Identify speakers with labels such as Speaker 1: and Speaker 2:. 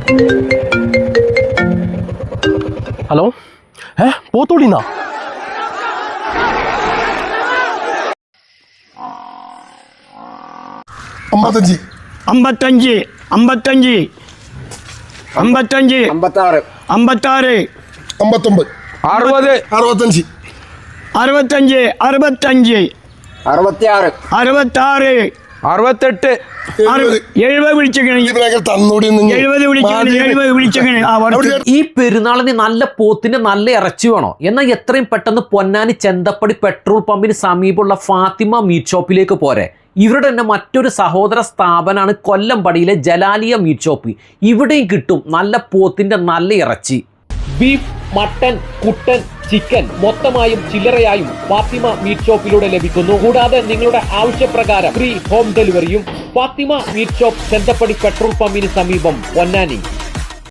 Speaker 1: Hello പോത്തോളിന്നാ?
Speaker 2: അമ്പത്തഞ്ച്
Speaker 3: അമ്പത്തഞ്ച് അമ്പത്തഞ്ച് അമ്പത്തഞ്ച്
Speaker 4: അമ്പത്താറ്
Speaker 3: അമ്പത്താറ്
Speaker 2: അമ്പത്തൊമ്പത്
Speaker 4: 60
Speaker 2: 65
Speaker 3: അറുപത്തഞ്ച് അറുപത്തഞ്ച്
Speaker 4: 66
Speaker 3: അറുപത്താറ്
Speaker 4: 68
Speaker 3: 70 വിളിച്ചേക്കണേ.
Speaker 2: തന്നൂടി
Speaker 3: 70 വിളിച്ചേക്കണേ. 70 വിളിച്ചേക്കണേ.
Speaker 5: ഈ പെരുന്നാളിന് നല്ല പോത്തിന് നല്ല ഇറച്ചി വേണോ? എന്നാൽ എത്രയും പെട്ടെന്ന് പൊന്നാനി ചെന്തപ്പടി പെട്രോൾ പമ്പിന് സമീപമുള്ള ഫാത്തിമ മീറ്റ് ഷോപ്പിലേക്ക് പോരെ. ഇവരുടെ തന്നെ മറ്റൊരു സഹോദര സ്ഥാപനമാണ് കൊല്ലംപടിയിലെ ജലാലിയ മീറ്റ് ഷോപ്പ്. ഇവിടെയും കിട്ടും നല്ല പോത്തിന്റെ നല്ല ഇറച്ചി. ബീഫ്, മട്ടൻ, കുട്ടൻ, ചിക്കൻ മൊത്തമായും ചില്ലറയായും ഫാത്തിമ മീറ്റ് ഷോപ്പിലൂടെ ലഭിക്കുന്നു. കൂടാതെ നിങ്ങളുടെ ആവശ്യപ്രകാരം ഫ്രീ ഹോം ഡെലിവറിയും. Fathima meat shop Chenthappady petrol പമ്പിന് സമീപം പൊന്നാനി.